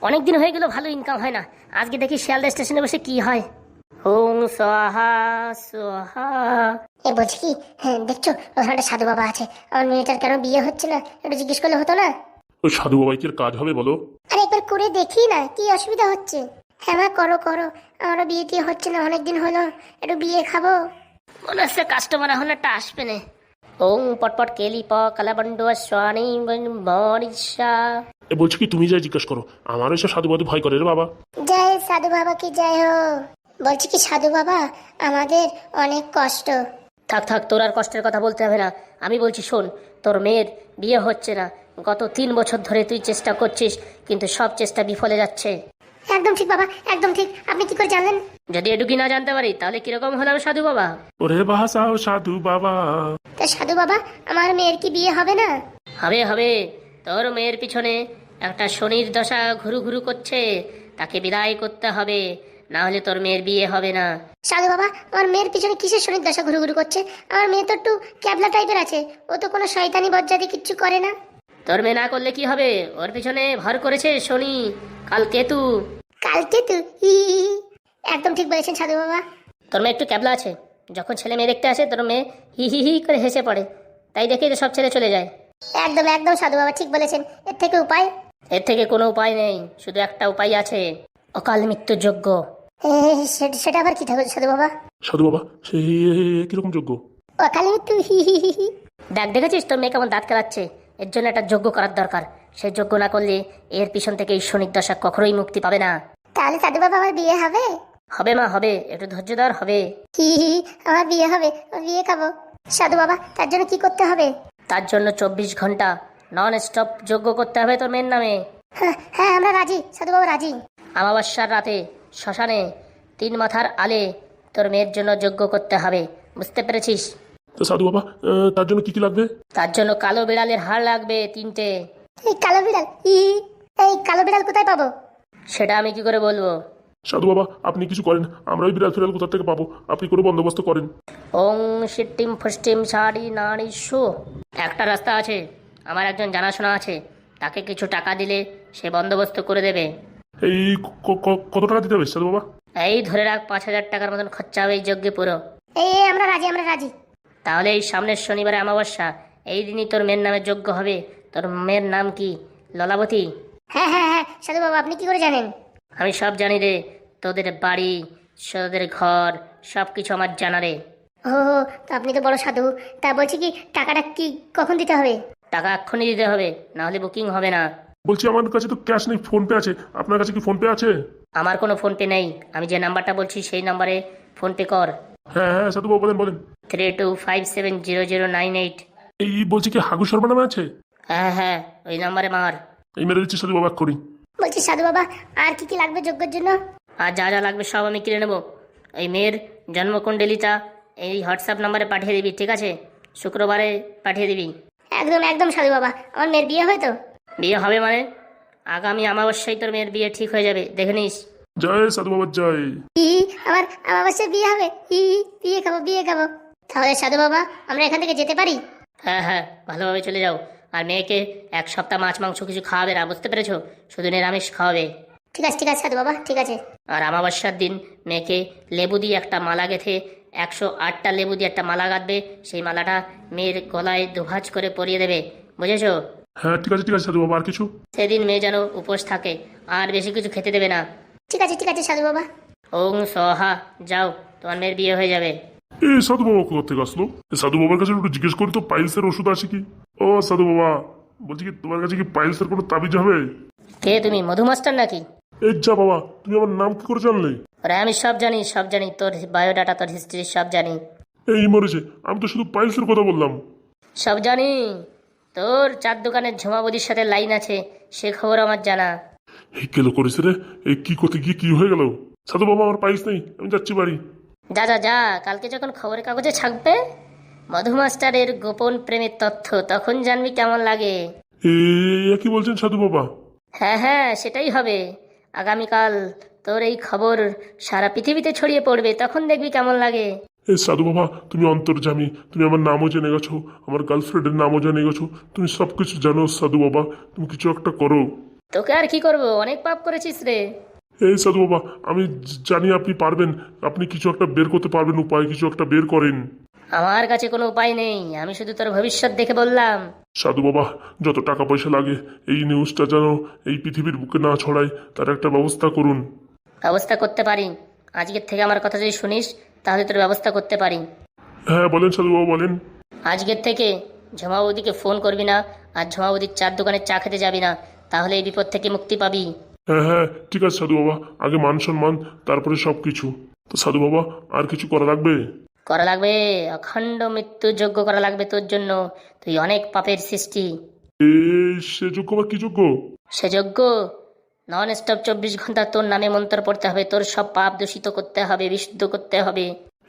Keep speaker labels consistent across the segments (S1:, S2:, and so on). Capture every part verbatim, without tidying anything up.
S1: অনেক দিন হয়ে গেল ভালো ইনকাম হয় না। আজকে দেখি শিয়ালদা স্টেশনে বসে কি হয়। ওং সোহা সোহা।
S2: এ বলছি কি, হ্যাঁ দেখছো ওখানে একটা সাধু বাবা আছে, আমার মেয়েটার কেন বিয়ে হচ্ছে না একটু জিজ্ঞেস করলে হতো না?
S3: ওই সাধু বাবাই কি আর কাজ হবে বলো?
S2: আরে একবার করে দেখি না, কি অসুবিধা হচ্ছে? হ্যাঁ মা, করো করো, আমারও বিয়ে টিয়ে হচ্ছে না, অনেকদিন হলো, একটু বিয়ে খাবো।
S1: মনে হচ্ছে কাস্টমার এখন একটা আসবে না। ওং পটপট কেলি প কালাবন্ড স্বানি মরিষা।
S3: এ বলছি কি, তুমি যাই জিজ্ঞেস করো, আমার এসব সাধু বাধু ভয় করে রে বাবা।
S2: জয় সাধু বাবা কি জয় হো। বলছি কি সাধু বাবা, আমাদের অনেক কষ্ট।
S1: থাক থাক, তোর আর কষ্টের কথা বলতে হবে না। আমি বলছি শোন, তোর মেয়ের বিয়ে হচ্ছে না। গত তিন বছর ধরে তুই চেষ্টা করছিস, কিন্তু সব চেষ্টা বিফলে যাচ্ছে।
S2: একদম ঠিক বাবা, একদম ঠিক। আপনি কি করে জানলেন?
S1: যদি এটুকি না জানতে পারি তাহলে কিরকম হলাম সাধু বাবা?
S3: ওরে বাসাও সাধু বাবা।
S2: তা সাধু বাবা, আমার মেয়ের কি বিয়ে হবে না?
S1: হবে হবে। তোর মেয়ের পিছনে একটা শনির দশা ঘুরু ঘুরু করছে, তাকে বিদায় করতে হবে, না হলে তোর মেয়ের বিয়ে হবে না।
S2: সাধু বাবা, আমার মেয়ের পিছনে কিসের শনির দশা ঘুরু ঘুরু করছে? আমার মেয়ে তো একটু ক্যাবলা টাইপের আছে, ও তো কোনো শয়তানি বজ্জাতি কিচ্ছু করে না।
S1: তোর মেয়ে না করলে কি হবে? ওর পিছনে ভর করেছে শনি, কাল কেতু।
S2: কালকে তো হি হি হি। একদম ঠিক বলেছেন সাধু বাবা।
S1: তোর মেয়ে একটু ক্যাবলা আছে, যখন ছেলে মেয়ে দেখতে আসে তোর মেয়ে হি হি হি করে হেসে পড়ে, তাই দেখেই তো সব ছেলে চলে যায়।
S2: একদম একদম সাধু বাবা ঠিক বলেছেন। এর থেকে উপায়?
S1: এর থেকে কোনো উপায় নেই, শুধু একটা উপায় আছে, অকাল মৃত্যুর যোগ্য।
S2: এ, সে- সেটা আবার কি ঠাকুর সাধু বাবা?
S3: সাধু বাবা সেই কিরকম যোগ্য?
S2: অকালে মৃত্যু হি হি হি হি।
S1: দেখ, দেখেছিস তোর মেয়ে কেমন দাঁত কেলাচ্ছে? এর জন্য একটা যজ্ঞ করার দরকার। সেই যজ্ঞ না করলে এর পিছন থেকে এই শনির দশা কখনোই মুক্তি পাবে না।
S2: তাহলে সাধু বাবা আমার বিয়ে হবে?
S1: হবে মা হবে, একটু ধৈর্য ধর, হবে।
S2: হি হি হি, আমার বিয়ে হবে, আমি বিয়ে খাবো। সাধু বাবা, তার জন্য কি করতে হবে?
S1: তার জন্য চব্বিশ ঘন্টা নন স্টপ যজ্ঞ করতে হবে তোর মেয়ের নামে।
S2: হ্যাঁ হ্যাঁ, আমরা রাজি সাধু বাবা, রাজি।
S1: আমাবস্যার রাতে শ্মশানে তিন মাথার আলে তোর মেয়ের জন্য যজ্ঞ করতে হবে, বুঝতে পেরেছিস?
S3: তো সাধু বাবা, আহ, তার জন্য কি কি লাগবে?
S1: তার জন্য কালো বিড়ালের হাড় লাগবে তিনটে।
S2: এই কালো বিড়াল, হি হি, এই কালো বিড়াল কোথায় পাবো?
S1: সেটা আমি কি করে বলবো?
S3: সাধু বাবা আপনি কিছু করেন, আমরা ওই বিড়াল ফিরাল কোথা থেকে পাবো, আপনি কোনো বন্দোবস্ত করেন।
S1: ওং সিটিম ফুষ্টিম সারি নারী শো। একটা রাস্তা আছে, আমার একজন জানাশোনা আছে, তাকে কিছু টাকা দিলে সে বন্দোবস্ত করে দেবে।
S3: এই ক- ক- কত টাকা দিতে হবে সাধু বাবা?
S1: এই ধরে রাখ, পাঁচ হাজার টাকার মতন খরচা হবে এই যজ্ঞে পুরো।
S2: এই এই, আমরা রাজি, আমরা রাজি।
S1: তাহলে এই সামনের শনিবারে অমাবস্যা, এই দিনই তোর মেয়ের নামে যজ্ঞ হবে। তোর মেয়ের নাম কি? ললাবতী?
S2: হ্যাঁ হ্যাঁ হ্যাঁ সাধু বাবা, আপনি কি করে জানেন?
S1: আমি সব জানি রে, তোদের বাড়ি, তোদের ঘর, সব কিছু আমার জানা রে।
S2: ও, তো আপনি তো বড় সাধু। তা বলছি কি, টাকাটা কি কখন দিতে হবে?
S1: টাকা এক্ষুনি দিতে হবে, না হলে বুকিং হবে না।
S3: বলছি আমার কাছে তো ক্যাশ নেই, ফোন পে আছে, আপনার কাছে কি ফোন পে আছে?
S1: আমার কোনো ফোনপে নেই, আমি যে নাম্বারটা বলছি সেই নাম্বারে ফোনপে কর।
S3: হ্যাঁ হ্যাঁ সাধু বাবা বলেন বলেন।
S1: Three two five seven zero zero nine eight.
S3: এই বলছি কি হাগু শর্মা নামে আছে?
S1: হ্যাঁ হ্যাঁ, ওই নাম্বারে মার।
S3: এই মেরে দিচ্ছি সাধু বাবা করি।
S2: বলছি সাধু বাবা, আর কি কি লাগবে যজ্ঞের জন্য?
S1: আর যা যা লাগবে সব আমি কিনে নেবো। এই মেয়ের জন্মকুণ্ডলিটা এই হোয়াটসঅ্যাপ নাম্বারে পাঠিয়ে দিবি, ঠিক আছে? শুক্রবারে পাঠিয়ে দিবি।
S2: একদম একদম সাধু বাবা, আমার মেয়ের বিয়ে হয় তো?
S1: বিয়ে হবে মানে আগামী অমাবস্যায় তোর মেয়ের বিয়ে ঠিক হয়ে যাবে, দেখে নিস।
S3: জয় সাধু বাবা জয়।
S2: হি হি, আমার আমার অবশ্যই বিয়ে হবে। হি হি, বিয়ে খাবো, বিয়ে খাবো। তাহলে সাধু বাবা, আমরা এখান থেকে যেতে পারি?
S1: হ্যাঁ হ্যাঁ, ভালোভাবে চলে যাও। আর মেয়েকে এক সপ্তাহ মাছ মাংস কিছু খাওয়াবে না, বুঝতে পেরেছো? শুধু নিরামিষ খাওয়াবে।
S2: ঠিক আছে ঠিক আছে সাধু বাবা, ঠিক আছে।
S1: আর অমাবস্যার দিন মেয়েকে লেবু দিয়ে একটা মালা গেঁথে, একশো আটটা লেবু দিয়ে একটা মালা গাঁথবে, সেই মালাটা মেয়ের গলায় দুভাজ করে পরিয়ে দেবে, বুঝেছো?
S3: হ্যাঁ ঠিক আছে ঠিক আছে সাধু বাবা, আর কিছু?
S1: সেদিন মেয়ে যেন উপোস থাকে, আর বেশি কিছু খেতে দেবে না।
S2: ঠিক আছে ঠিক আছে সাধু বাবা।
S1: ওং সহা, যাও, তোমার মেয়ের বিয়ে হয়ে যাবে।
S3: এই সাধু বাবা কোথা থেকে আসলো? এই সাধু বাবার কাছে একটু জিজ্ঞেস করি তো, পাইলসের ওষুধ আছে কি? ও সাধু বাবা, বলছি কি তোমার কাছে কি পাইলসের কোনো তাবিজ হবে?
S1: কে তুমি, মধুমাস্টার নাকি?
S3: এই যা বাবা, তুমি আমার নাম কি করে জানলে?
S1: আরে আমি সব জানি, সব জানি, তোর বায়োডাটা, তোর হিস্ট্রি সব জানি।
S3: এই মরেছে, আমি তো শুধু পাইলসের কথা বললাম।
S1: সব জানি, তোর চার দোকানের ঝুমাবদির সাথে লাইন আছে, সে খবর আমার জানা।
S3: এই কেলো করেছে রে, এই কি করতে গিয়ে কি হয়ে গেল? সাধু বাবা আমার পাইলস নেই, আমি যাচ্ছি বাড়ি।
S1: যা যা যা, কালকে যখন খবরের কাগজে ছাপবে মধুমাস্টারের গোপন প্রেমের তথ্য, তখন জানবি কেমন লাগে।
S3: এ কি বলছেন সাধু বাবা?
S1: হ্যাঁ হ্যাঁ, সেটাই হবে। আগামীকাল তোর এই খবর সারা পৃথিবীতে ছড়িয়ে পড়বে, তখন দেখবি কেমন লাগে।
S3: এই সাধু বাবা তুমি অন্তর্যামী, তুমি আমার নামও জেনে গেছো, আমার গার্লফ্রেন্ডের নামও জেনে গেছো, তুমি সব কিছু জানো সাধু বাবা, তুমি কিছু একটা করো।
S1: তোকে আর কি করব, অনেক পাপ করেছিস রে।
S3: এই সাধু বাবা, আমি জ- জানি আপনি পারবেন। আপনি কিছু একটা বের করতে পারবেন, উপায় কিছু একটা বের করেন।
S1: আমার কাছে কোনো উপায় নেই, আমি শুধু তোর ভবিষ্যৎ দেখে বললাম।
S3: সাধু বাবা, যত টাকা পয়সা লাগে এই নিউজটা যেন এই পৃথিবীর বুকে না ছড়ায়, তার একটা ব্যবস্থা করুন।
S1: ব্যবস্থা করতে পারি, আজকের থেকে আমার কথা যদি শুনিস তাহলে তোর ব্যবস্থা করতে পারি।
S3: হ্যাঁ বলেন সাধু বাবা, বলেন।
S1: আজকের থেকে ঝমাবতীকে ফোন করবি না, আর ঝমাবতীর চার দোকানে চা খেতে যাবি না, তাহলে এই বিপদ থেকে মুক্তি পাবি।
S3: হ্যাঁ হ্যাঁ ঠিক আছে সাধু বাবা, আগে মান সম্মান, তারপরে সব কিছু। তো সাধু বাবা, আর কিছু করা লাগবে?
S1: করা লাগবে, অখণ্ড মৃত্যু যোগ্য করা লাগবে তোর জন্য। তুই অনেক পাপের সৃষ্টি।
S3: এই সে যোগ্য বা কি যোগ্য?
S1: সে যোগ্য নন স্টপ চব্বিশ ঘন্টা তোর নামে মন্ত্র পড়তে হবে, তোর সব পাপ দূষিত করতে হবে, বিশুদ্ধ করতে হবে।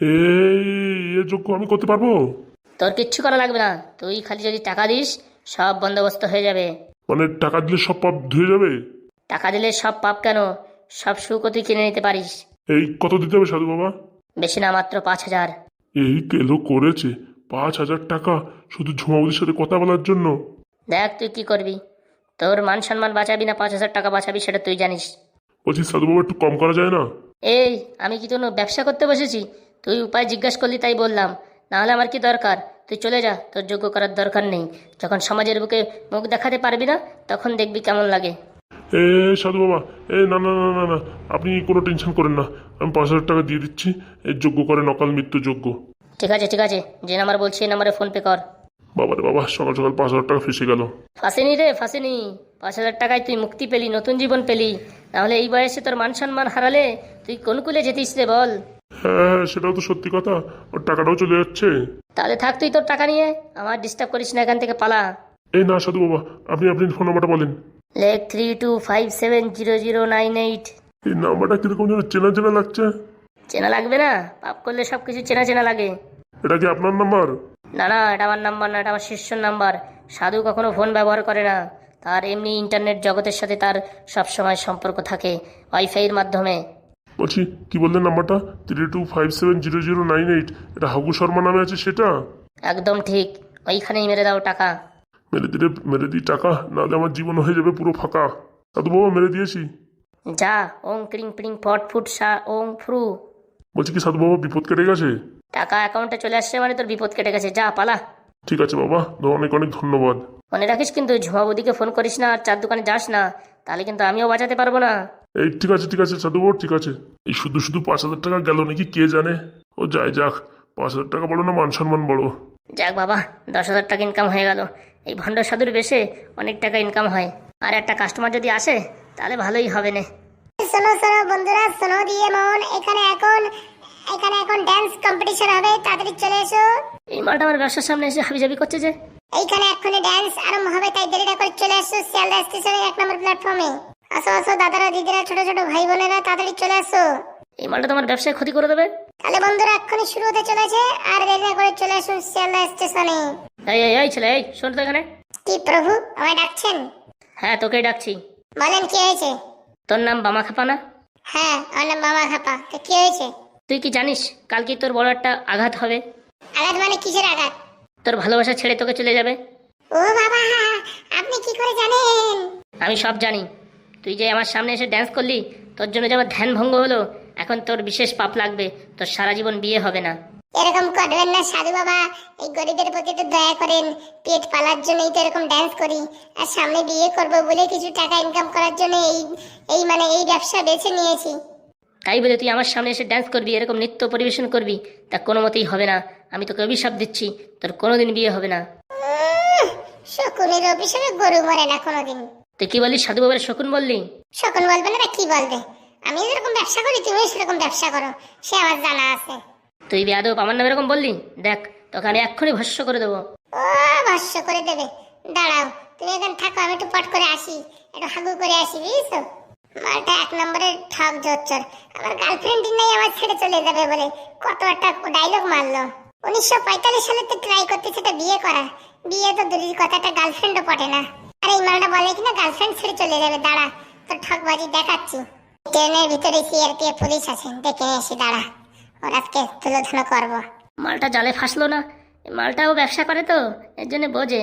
S3: এই এ যোগ্য আমি করতে পারবো?
S1: তোর কিচ্ছু করা লাগবে না, তুই খালি যদি টাকা দিস সব বন্দোবস্ত হয়ে যাবে।
S3: মানে টাকা দিলে সব পাপ ধুয়ে যাবে?
S1: টাকা দিলে সব পাপ কেন, সব সুখও তুই কিনে নিতে পারিস।
S3: এই কত দিতে হবে সাধু বাবা?
S1: বেশি না, মাত্র পাঁচ হাজার।
S3: এই কেলো করেছে পাঁচ হাজার টাকা শুধু ঝুমাবুদির সাথে কথা বলার জন্য?
S1: দেখ তুই কি করবি, তোর মান সম্মান বাঁচাবি না পাঁচ হাজার টাকা বাঁচাবি সেটা তুই জানিস।
S3: বলছি সাধু বাবা, একটু কম করা যায় না?
S1: এই আমি কি কোনো ব্যবসা করতে বসেছি? তুই উপায় জিজ্ঞাসা করলি তাই বললাম, নাহলে আমার কি দরকার? তুই চলে যা, তোর যোগ্য করার দরকার নেই। যখন সমাজের বুকে মুখ দেখাতে পারবি না তখন দেখবি কেমন লাগে।
S3: এ সাধু বাবা, এ না না না না না, আপনি কোনো টেনশন করেন না, আমি পাঁচ হাজার টাকা দিয়ে দিচ্ছি। এর যোগ্য করেন অকাল মৃত্যু যোগ্য।
S1: ঠিক আছে ঠিক আছে, যে নাম্বার বলছি এই নাম্বারে ফোন পে কর।
S3: বাবারে বাবা, সকাল সকাল পাঁচ হাজার টাকা ফেসে গেল।
S1: ফাঁসেনি রে ফাঁসেনি, পাঁচ হাজার টাকায় তুই মুক্তি পেলি, নতুন জীবন পেলি। নাহলে এই বয়সে তোর মান সম্মান হারালে তুই কোন কুলে যেতিস রে বল?
S3: হ্যাঁ হ্যাঁ, সেটাও তো সত্যি কথা, ওর টাকাটাও চলে যাচ্ছে।
S1: তাহলে থাক তুই তোর টাকা নিয়ে, আমার ডিস্টার্ব করিস না, এখান থেকে পালা।
S3: এই না সাধু বাবা, আপনি আপনি ফোন নাম্বারটা বলেন।
S1: লেখ three two five seven zero zero nine eight.
S3: এই নাম্বারটা কিরকম যেন চেনা চেনা লাগছে।
S1: চেনা লাগবে না? পাপ করলে সব কিছু চেনা চেনা লাগে।
S3: এটা কি আপনার নাম্বার?
S1: না না, এটা আমার নাম্বার না, এটা আমার শিষ্যর নাম্বার। সাধু কখনো ফোন ব্যবহার করে না, তার এমনি ইন্টারনেট জগতের সাথে তার সবসময় সম্পর্ক থাকে ওয়াইফাইয়ের মাধ্যমে।
S3: বলছি কি বললেন নাম্বারটা? Three two five seven zero zero nine eight. এটা হাগু শর্মা নামে আছে সেটা?
S1: একদম ঠিক, ওইখানেই মেরে দাও টাকা।
S3: মেরে দিলে মেরে দিই টাকা, নাহলে আমার জীবন হয়ে যাবে পুরো ফাঁকা। সাধু বাবা, মেরে দিয়েছি।
S1: যা, ওং ক্রিং প্রিং ফট ফুট সা ওং ফ্রু।
S3: বলছি কি সাধু বাবা, বিপদ কেটে গেছে?
S1: টাকা অ্যাকাউন্টে চলে আসছে মানে তোর বিপদ কেটে গেছে, যা পালা।
S3: ঠিক আছে বাবা, অনেক অনেক ধন্যবাদ।
S1: মনে রাখিস কিন্তু ঝুমাবুদিকে ফোন করিস না আর চার দোকানে যাস না, তাহলে কিন্তু আমিও বাঁচাতে পারবো না।
S3: এই ঠিক আছে ঠিক আছে সাধু বাবা, ঠিক আছে। এই শুধু শুধু পাঁচ হাজার টাকা গেল নাকি কে জানে। ও যাই যাক, পাঁচ হাজার টাকা বড় না মান সম্মান বড়?
S1: যাক বাবা, দশ হাজার টাকা ইনকাম হয়ে গেল। এই ভণ্ড সাধুর বেশে অনেক টাকা ইনকাম হয়, আর একটা কাস্টমার যদি আসে তাহলে ভালোই হবে না।
S2: শোনো শোনো বন্ধুরা, শোনো দিয়ে মন, এখানে এখন এখানে এখন ড্যান্স কম্পিটিশন হবে, তাড়াতাড়ি চলে এসো।
S1: এই মালটা আমার ব্যবসার সামনে এসে হাবিজাবি করছে যে।
S2: এইখানে এক্ষুনি ড্যান্স আরম্ভ হবে, তাই দেরি না করে চলে আসো শিয়ালদা স্টেশনের এক নম্বর প্ল্যাটফর্মে। আসো আসো দাদারা দিদিরা ছোট ছোট ভাই বোনেরা, তাড়াতাড়ি চলে আসো।
S1: এই মালটা তোমার ব্যবসায় ক্ষতি করে দেবে।
S2: তাহলে বন্ধুরা এক্ষুনি শুরু হতে চলেছে, আর দেরি না করে চলে আসুন শিয়ালদা স্টেশনে।
S1: এই এই এই ছেলে, এই শোন তো এখানে।
S2: কি প্রভু, আমায় ডাকছেন?
S1: হ্যাঁ তোকেই ডাকছি।
S2: বলেন কি হয়েছে?
S1: তোর নাম বামা খাপা না?
S2: হ্যাঁ, আমার নাম মামা খাপা। তো কি হয়েছে?
S1: তুই কি জানিস কালকে তোর বড় একটা আঘাত হবে?
S2: আঘাত মানে কিসের আঘাত?
S1: তোর ভালোবাসা ছেড়ে তোকে চলে যাবে।
S2: ও বাবা, আপনি কি করে জানেন?
S1: আমি সব জানি। তুই যে আমার সামনে এসে ড্যান্স করলি, তোর জন্য যে আমার ধ্যান ভঙ্গ হলো, এখন তোর বিশেষ পাপ লাগবে, তোর সারা জীবন বিয়ে হবে না।
S2: এরকম করবেন না সাধু বাবা, এই গরিবের প্রতি তো দয়া করেন। পেট পালার জন্যই তো এরকম ড্যান্স করি, আর সামনে বিয়ে করব বলে কিছু টাকা ইনকাম করার জন্য এই এই মানে এই ব্যবসা বেছে নিয়েছি।
S1: তাই বলে তুই আমার সামনে এসে ড্যান্স করবি, এরকম নৃত্য পরিবেশন করবি, তা কোনো মতেই হবে না। আমি তোকে অভিশাপ দিচ্ছি, তোর কোনোদিন বিয়ে হবে না।
S2: উম, শকুনের অভিশাপে গরু মরে না কোনোদিন।
S1: তুই কি বললি? সাধু বাবার শকুন বললি?
S2: শকুন বলবে না কি বলবে? আমি যেরকম ব্যবসা করি তুমিও সেরকম ব্যবসা করো, সে আমার জানা আছে।
S1: তুই বেয়াদব আমার নামে এরকম বললি? দেখ তোকে আমি এক্ষুনি ভস্য করে দেবো।
S2: ও ভস্য করে দেবে? দাঁড়াও, তুমি এখানে থাকো, আমি একটু পট করে আসি, একটু হাগু করে আসি, বুঝছো? মালটা এক নম্বরের ঠক জোচ্চর। আমার গার্লফ্রেন্ডই নেই, আমার ছেড়ে চলে যাবে বলে কত একটা ডায়লগ মারলো। উনিশশো পঁয়তাল্লিশ সালে তো ট্রাই করতেছে এটা বিয়ে করা, বিয়ে তো দূরের কথা, একটা গার্লফ্রেন্ডও পটে না। আর এই মালটা বলে কিনা গার্লফ্রেন্ড ছেড়ে চলে যাবে। দাঁড়া, তোর ঠকবাজি দেখাচ্ছি। ট্রেনের ভিতরে সিআরপিএফ পুলিশ আছে, দেখে এসে দাঁড়া, ওর আজকে তুলোধুলো করবো।
S1: মালটা জালে ফাঁসলো না? এই মালটাও ব্যবসা করে তো, এর জন্য বোঝে।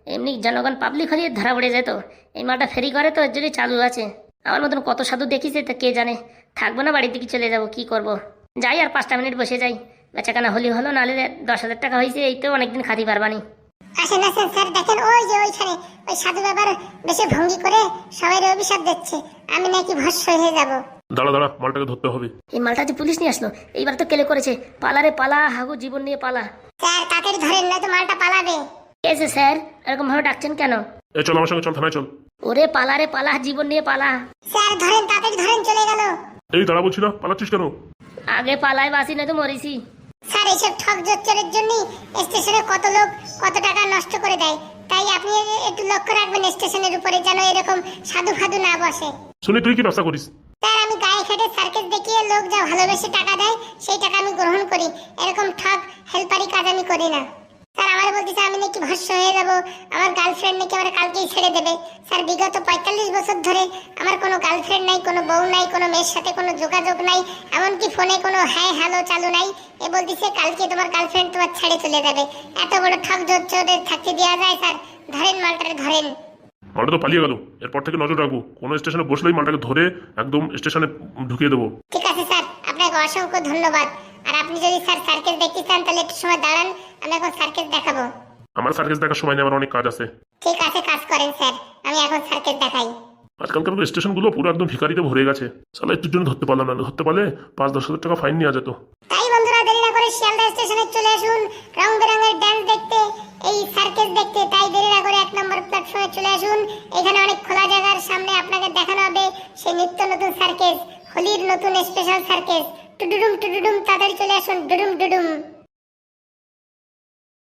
S1: এমনি জনগণ পাবলিক হলে ধরা পড়ে যেত। এই মালটা ফেরি করে তো এর জন্যই চালু আছে। আমার মতন কত সাধু দেখিছে তা কে জানে। থাকবো না, বাড়ির দিকে চলে যাব, কি করব। যাই আর পাঁচটা মিনিট বসে যাই, বেচাকেনা হলি হলো, নাহলে দশ হাজার টাকা হয়েছে, এই তো অনেকদিন খাতি পারবানি।
S2: আসেন আসেন স্যার, দেখেন ওই যে ওইখানে ওই সাধু বাবার বেশি ভঙ্গি করে সবাই অভিশাপ দিচ্ছে আমি নাকি ভস্ম হয়ে যাব।
S3: দাঁড়া দাঁড়া, মালটাকে ধরতে হবে।
S1: এই মালটা যে পুলিশ নিয়ে আসলো, এইবার তো কেলে করেছে। পালারে পালা, হাগু জীবন নিয়ে পালা।
S2: স্যার তাড়াতাড়ি ধরেন, নয়তো মালটা পালাবে।
S1: এসে স্যার এরকম ভাবে ডাকছেন কেন?
S3: এ চল আমার সঙ্গে, চল থানায় চল।
S1: ওরে পালারে পালা, জীবন নিয়ে পালা।
S2: স্যার ধরেন, তাড়াতাড়ি ধরেন, চলে গেল।
S3: এই দাঁড়া বলছি না, পালাচ্ছিস কেন?
S1: আগে পালাই বাসি, নয়তো মরিছি।
S2: স্যার এইসব ঠক জোচ্চরের জন্য স্টেশনে কত লোক কত টাকা নষ্ট করে দেয়, তাই আপনি একটু লক্ষ্য রাখবেন স্টেশনের উপরে, যেন এরকম সাধু ফাধু না বসে।
S3: শুনি তুই কি ব্যবসা করিস?
S2: স্যার আমি গায়ে খেটে সার্কেস দেখিয়ে লোক যা ভালোবেসে টাকা দেয় সেই টাকা আমি গ্রহণ করি, এরকম ঠক হেল্পারি কাজ আমি করি না। স্যার আমার বলতেছে আমি নাকি ভস্ম হয়ে যাব, আমার গার্লফ্রেন্ড নাকি আমার কালকেই ছেড়ে দেবে। স্যার বিগত পঁয়তাল্লিশ বছর ধরে আমার কোনো গার্লফ্রেন্ড নাই, কোনো বউ নাই, কোনো মেয়ের সাথে কোনো যোগাযোগ নাই, এমনকি ফোনে কোনো হ্যাঁ হ্যালো চালু নাই। এ বলতেছে কালকে তোমার গার্লফ্রেন্ড তোমার ছেড়ে চলে যাবে। এত বড় ঠক জোচ্চরের থাকতে দেওয়া যায়? স্যার ধরেন মালটারে, ধরেন।
S3: মালটা তো পালিয়ে গেল, এরপর থেকে নজর রাখবো, কোনো স্টেশনে বসলেই মালটাকে ধরে একদম স্টেশনে ঢুকিয়ে দেবো।
S2: ঠিক আছে স্যার, আপনাকে অসংখ্য ধন্যবাদ। আর আপনি যদি স্যার সার্কেস দেখতে চান তাহলে একটু সময় দাঁড়ান, আমি এখন সার্কেস দেখাবো।
S3: আমার সার্কেস দেখার সময় নেই, আমার অনেক কাজ আছে।
S2: ঠিক আছে, কাজ করেন স্যার, আমি এখন সার্কেস দেখাই।
S3: আজকালকার স্টেশনগুলো পুরো একদম ভিখারিতে ভরে গেছে। সালা একটুর জন্য ধরতে পারলাম না, ধরতে পারলে পাঁচ দশ হাজার টাকা ফাইন নেওয়া যেত।
S2: তাই বন্ধুরা দেরি না করে শিয়ালদা স্টেশনে চলে আসুন রং বেরঙের ড্যান্স দেখতে, এই সার্কেস দেখতে। তাই দেরি না করে এক নম্বর প্ল্যাটফর্মে চলে আসুন। এখানে অনেক খোলা জায়গার সামনে আপনাকে দেখানো হবে সেই নিত্য নতুন সার্কেস, হোলির নতুন স্পেশাল সার্কেস। টুডুডুম টুডুডুম, তাড়াতাড়ি চলে আসুন, ডুডুম ডুডুম।